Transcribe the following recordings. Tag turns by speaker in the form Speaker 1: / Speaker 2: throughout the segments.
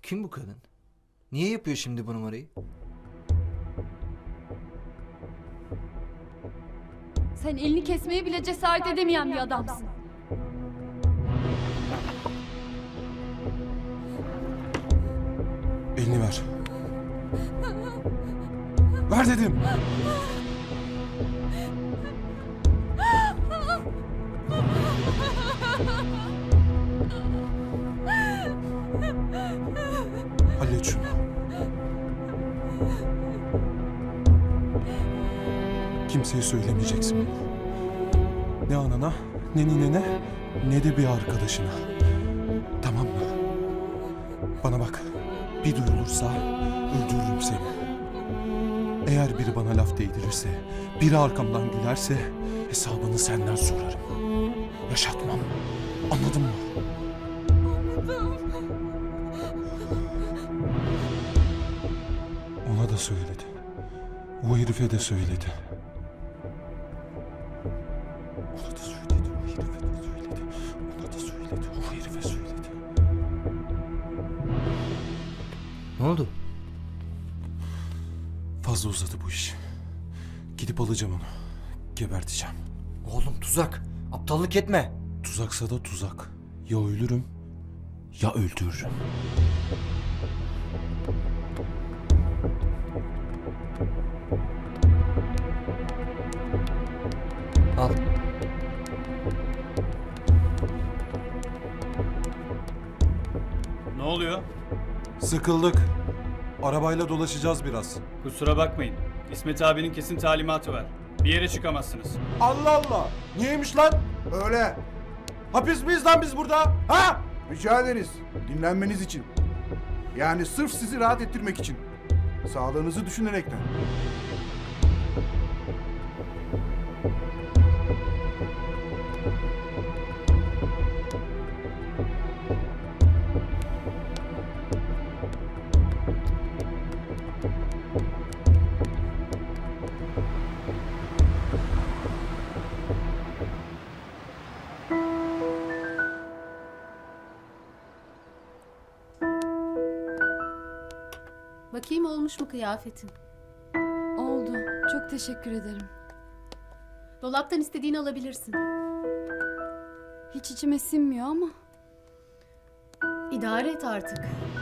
Speaker 1: Kim bu kadın? Niye yapıyor şimdi bu numarayı?
Speaker 2: Sen elini kesmeye bile cesaret edemeyen bir adamsın.
Speaker 3: Elini ver. Ver dedim. Hallet şunu. Kimseye söylemeyeceksin bunu. Ne anana, ne ninene, ne de bir arkadaşına. Tamam mı? Bana bak. Bir duyulursa öldürürüm seni. Eğer biri bana laf değdirirse, biri arkamdan gülerse hesabını senden sorarım. Yaşatmam. Anladın mı? Ona da söyledi. O herife de söyledi. Ona da söyledi. O herife de söyledi. Ona da söyledi. O herife söyledi.
Speaker 1: Ne oldu?
Speaker 3: Fazla uzadı bu iş. Gidip alacağım onu. Geberteceğim.
Speaker 1: Oğlum tuzak. Aptallık etme.
Speaker 3: Tuzaksa da tuzak. Ya ölürüm ya öldürürüm.
Speaker 1: Al.
Speaker 4: Ne oluyor?
Speaker 3: Sıkıldık. Arabayla dolaşacağız biraz.
Speaker 4: Kusura bakmayın. İsmet abinin kesin talimatı var. Bir yere çıkamazsınız.
Speaker 3: Allah Allah! Niyeymiş lan?
Speaker 5: Öyle.
Speaker 3: Hapis miyiz lan biz burada? Ha?
Speaker 5: Rica ederiz. Dinlenmeniz için. Yani sırf sizi rahat ettirmek için. Sağlığınızı düşünerekten.
Speaker 6: Bakayım olmuş mu kıyafetin?
Speaker 2: Oldu. Çok teşekkür ederim.
Speaker 6: Dolaptan istediğini alabilirsin.
Speaker 2: Hiç içime sinmiyor ama.
Speaker 6: İdare et artık.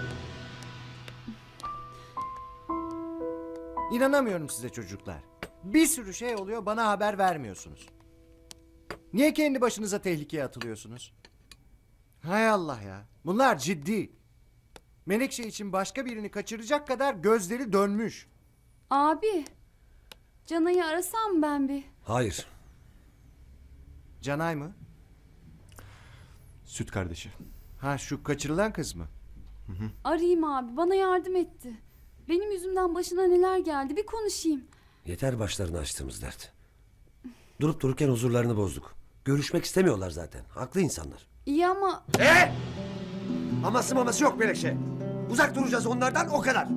Speaker 7: İnanamıyorum size çocuklar. Bir sürü şey oluyor, bana haber vermiyorsunuz. Niye kendi başınıza tehlikeye atılıyorsunuz? Hay Allah ya. Bunlar ciddi. Menekşe için başka birini kaçıracak kadar gözleri dönmüş.
Speaker 2: Abi. Canay'ı arasam ben bir.
Speaker 8: Hayır.
Speaker 7: Canay mı?
Speaker 3: Süt kardeşi.
Speaker 7: Ha, şu kaçırılan kız mı?
Speaker 2: Arayayım abi. Bana yardım etti. Benim yüzümden başına neler geldi bir konuşayım.
Speaker 8: Yeter başlarını açtığımız dert. Durup dururken huzurlarını bozduk. Görüşmek istemiyorlar zaten. Haklı insanlar.
Speaker 2: İyi ama
Speaker 8: Aması maması yok Melekşe. Uzak duracağız onlardan o kadar.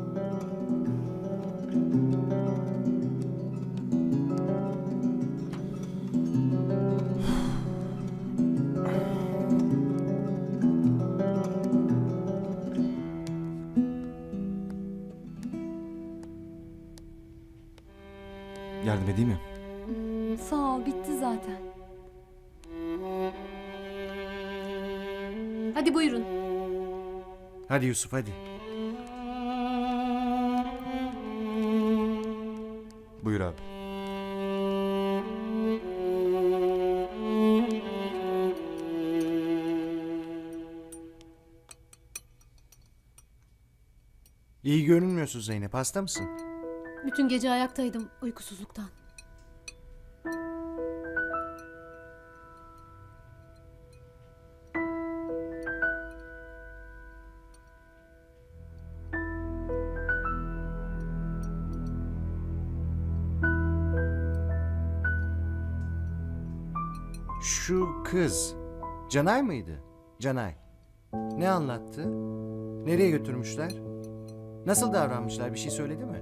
Speaker 3: Yardım edeyim mi?
Speaker 2: sağ ol bitti zaten.
Speaker 6: Hadi buyurun.
Speaker 7: Hadi Yusuf, hadi.
Speaker 3: Buyur abi.
Speaker 7: İyi görünmüyorsun Zeynep, hasta mısın?
Speaker 6: Bütün gece ayaktaydım uykusuzluktan.
Speaker 7: Şu kız, Canay mıydı? Canay. Ne anlattı? Nereye götürmüşler? Nasıl davranmışlar, bir şey söyledi mi?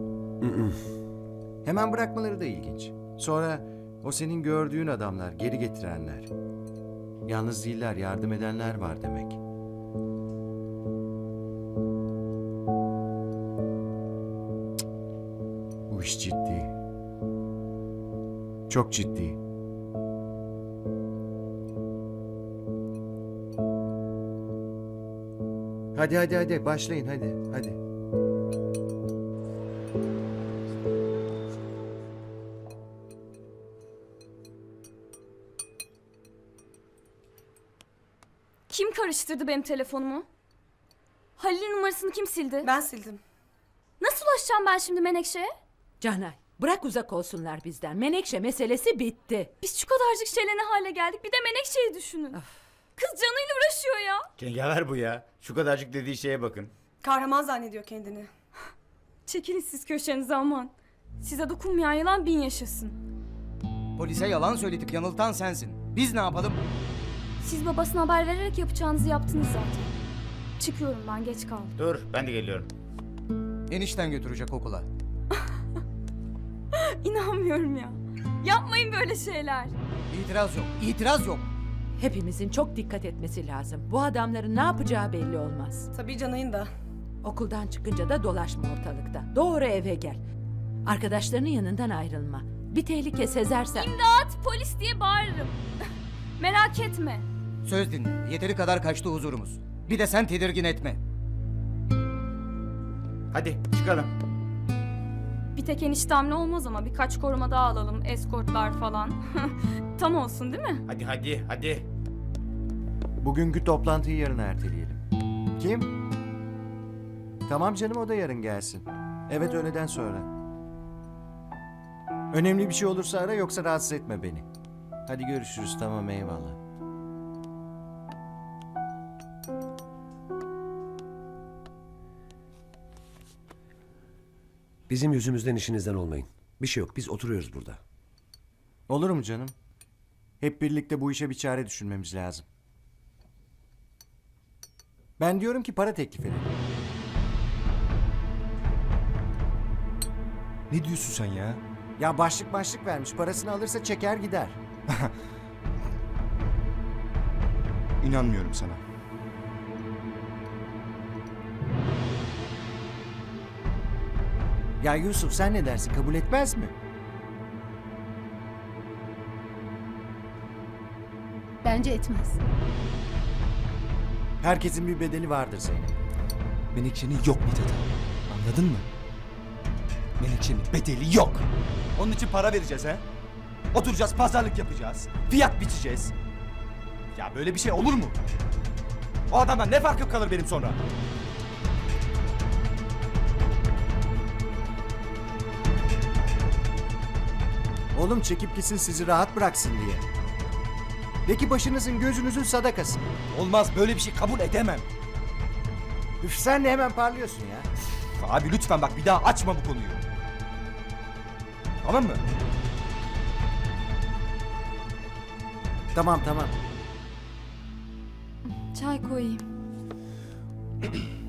Speaker 7: Hemen bırakmaları da ilginç. Sonra o senin gördüğün adamlar, geri getirenler. Yalnız değiller, yardım edenler var demek. Çok ciddi. Hadi başlayın hadi.
Speaker 2: Kim karıştırdı benim telefonumu? Halil'in numarasını kim sildi?
Speaker 9: Ben sildim.
Speaker 2: Nasıl ulaşacağım ben şimdi Menekşe'ye?
Speaker 10: Canay, bırak uzak olsunlar bizden. Menekşe meselesi bitti.
Speaker 2: Biz şu kadarcık şeyle ne hale geldik? Bir de Menekşe'yi düşünün. Kız canıyla uğraşıyor ya.
Speaker 11: Cengaver bu ya. Şu kadarcık dediği şeye bakın.
Speaker 9: Kahraman zannediyor kendini.
Speaker 2: Çekilin siz köşenize aman. Size dokunmayan yılan bin yaşasın.
Speaker 1: Polise yalan söyledik, yanıltan sensin. Biz ne yapalım?
Speaker 2: Siz babasına haber vererek yapacağınızı yaptınız zaten. Çıkıyorum ben, geç kaldım.
Speaker 11: Dur ben de geliyorum.
Speaker 1: Enişten götürecek okula.
Speaker 2: İnanmıyorum ya. Yapmayın böyle şeyler.
Speaker 1: İtiraz yok.
Speaker 10: Hepimizin çok dikkat etmesi lazım. Bu adamların ne yapacağı belli olmaz.
Speaker 9: Tabii Canay'ın da.
Speaker 10: Okuldan çıkınca da dolaşma ortalıkta. Doğru eve gel. Arkadaşlarının yanından ayrılma. Bir tehlike sezersen...
Speaker 2: İmdat, polis diye bağırırım. Merak etme.
Speaker 1: Söz dinle. Yeteri kadar kaçtı huzurumuz. Bir de sen tedirgin etme.
Speaker 11: Hadi çıkalım.
Speaker 2: Bir tek eniştemle olmaz ama birkaç koruma daha alalım. Eskortlar falan. Tam olsun değil mi?
Speaker 11: Hadi.
Speaker 7: Bugünkü toplantıyı yarın erteleyelim. Kim? Tamam canım, o da yarın gelsin. Evet, öğleden sonra. Önemli bir şey olursa ara, yoksa rahatsız etme beni. Hadi görüşürüz, tamam, eyvallah.
Speaker 8: Bizim yüzümüzden işinizden olmayın. Bir şey yok, biz oturuyoruz burada.
Speaker 7: Olur mu canım? Hep birlikte bu işe bir çare düşünmemiz lazım. Ben diyorum ki para teklif edelim.
Speaker 1: Ne diyorsun sen ya?
Speaker 7: Ya başlık vermiş, parasını alırsa çeker gider.
Speaker 5: İnanmıyorum sana.
Speaker 7: Ya Yusuf, sen ne dersin, kabul etmez mi?
Speaker 6: Bence etmez.
Speaker 7: Herkesin bir bedeli vardır Zeynep.
Speaker 1: Menekşe'nin yok Mithat. Anladın mı? Menekşe'nin bedeli yok.
Speaker 12: Onun için para vereceğiz ha? Oturacağız, pazarlık yapacağız. Fiyat biçeceğiz. Ya böyle bir şey olur mu? O adamdan ne farkım kalır benim sonra?
Speaker 7: Oğlum çekip gitsin, sizi rahat bıraksın diye. De ki başınızın gözünüzün sadakası.
Speaker 12: Olmaz, böyle bir şey kabul edemem.
Speaker 7: Üf, sen de hemen parlıyorsun ya.
Speaker 12: Abi lütfen bak, bir daha açma bu konuyu. Tamam mı?
Speaker 7: Tamam.
Speaker 2: Çay koyayım.